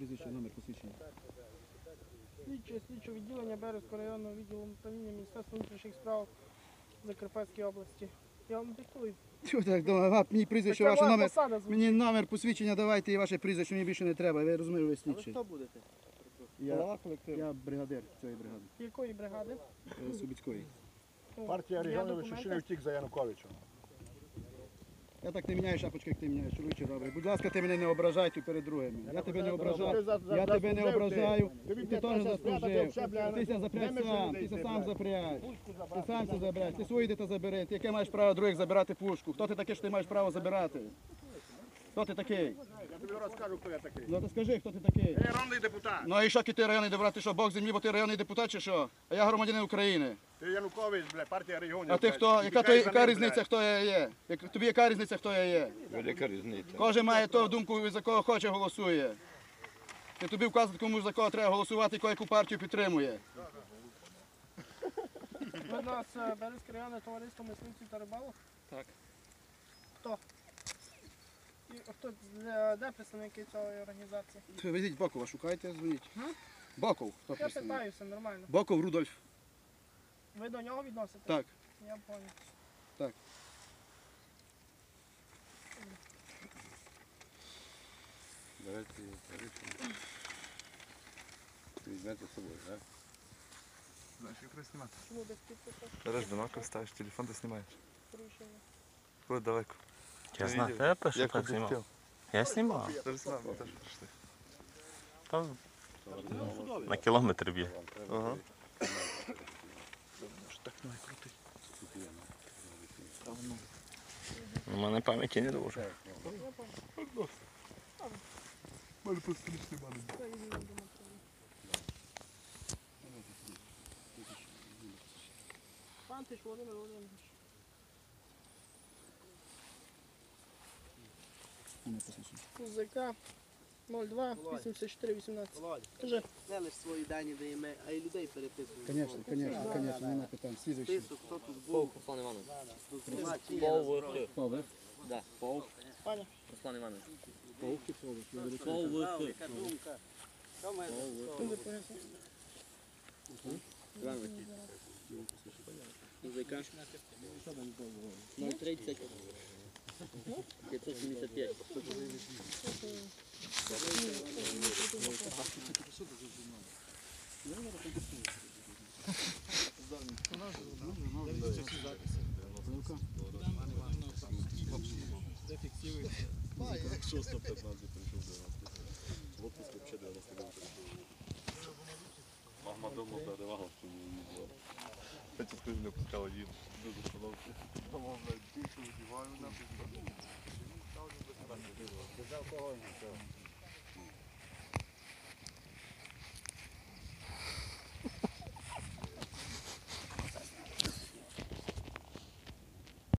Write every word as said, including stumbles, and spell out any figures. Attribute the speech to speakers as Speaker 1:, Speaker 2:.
Speaker 1: прізвище, номер посвідчення.
Speaker 2: Слідче, слідче відділення Березького районного відділу управління Міністерства внутрішніх справ Закарпатської області. Я вам диктую.
Speaker 1: Чого так думаю? Мені прізвище, ваш номер. Мені номер посвідчення давайте і ваше прізвище, мені більше не треба. Ви розумієте, ви слідчі.
Speaker 3: А ви хто будете?
Speaker 1: Я, я бригадир цієї бригади.
Speaker 2: Якої бригади?
Speaker 1: Е, Субіцької.
Speaker 4: Партія регіонів Лишишини втік за Януковичем.
Speaker 1: Я так не міняю шапочки, як ти міняєш, чоловіче добре. Будь ласка, ти мене не ображай перед другими. Я тебе не ображаю. Я тебе не ображаю. І ти теж заслужив. Ти ся запряг сам, ти ся сам запряг. Ти сам ся забряг. Ти свої діти забери. Ти яке маєш право других забирати пушку? Хто ти такий, що ти маєш право забирати? Хто ти такий?
Speaker 4: Я тобі розкажу, хто я такий.
Speaker 1: Ну ти скажи, хто ти такий?
Speaker 4: Я районний депутат.
Speaker 1: Ну і що ти районний депутат? Ти що, Бог землі, бо ти районний депутат чи що? А я громадянин України.
Speaker 4: Ти Янукович, бля, партія регіонів.
Speaker 1: А ти хто? Яка, то, яка різниця, хто я є? Як- Тобі яка різниця, хто я є?
Speaker 5: Велика різниця.
Speaker 1: Кожен має ту думку, за кого хоче, голосує. І тобі вказувати, кому за кого треба голосувати, і яку партію підтримує.
Speaker 2: Ви у нас е, Березьке районне товариство мисливців та рибалок?
Speaker 3: Так.
Speaker 2: Хто? І хто, де, де представники цієї організації?
Speaker 1: Везіть Бокова, шукайте, дзвоніть. Боков, хто
Speaker 2: Я
Speaker 1: представник?
Speaker 2: питаюся, нормально.
Speaker 1: Боков Рудольф.
Speaker 2: Ви до нього відносите?
Speaker 1: Так.
Speaker 2: Я понял.
Speaker 1: Так.
Speaker 5: Давайте рішення. Візьмете з собою, так?
Speaker 6: Знаешь, как раз снимать.
Speaker 2: Чому без підпису?
Speaker 6: Берешь бинокль, ставишь телефон, ты снимаешь.
Speaker 2: Порушення.
Speaker 6: Вот далеко.
Speaker 7: Я
Speaker 6: Ты
Speaker 7: знаю,
Speaker 6: видел?
Speaker 7: я пишу,
Speaker 6: Я
Speaker 7: так
Speaker 6: как
Speaker 7: знімав.
Speaker 6: хотел.
Speaker 7: Я знімав.
Speaker 6: Даже снимал, вот даже пришли.
Speaker 7: Там на кілометр б'є.
Speaker 6: Ага.
Speaker 7: У мене пам'яті не дуже.
Speaker 6: Мене просто не снимали.
Speaker 2: Це і він думав. Пантиш Володимир Володимирович. УЗК нуль два вісімдесят чотири вісімнадцять.
Speaker 3: Володя,
Speaker 2: Кажи.
Speaker 3: не лише свої дані даємо, а й людей переписуємо.
Speaker 1: Звісно, звісно, звісно, нема питань. Слідуючий.
Speaker 3: Список, хто тут був.
Speaker 8: Руслан Іванович.
Speaker 3: Тут чи є
Speaker 8: Пол
Speaker 3: на зброї.
Speaker 1: Павлик.
Speaker 8: Да, Пол.
Speaker 2: Паня.
Speaker 8: Руслан Іванович.
Speaker 1: Павлик чи Павлик? Я беру
Speaker 8: Пол
Speaker 3: Яка
Speaker 8: Вик.
Speaker 3: думка? Що має
Speaker 2: Ти поясни.
Speaker 8: Іванович. УЗК. нуль тридцять. п'ятсот сімдесят п'ять.
Speaker 5: шостого п'ятнадцятого прийшов дев'яносто. В отпуск взагалі дев'яносто дев'ять прийшов. Мама давно передавала, що не їздила. Хоча скажи, не пускала їм до установки. Мама, блядь, душу одіваю, нахуй.
Speaker 3: Без алкогольного.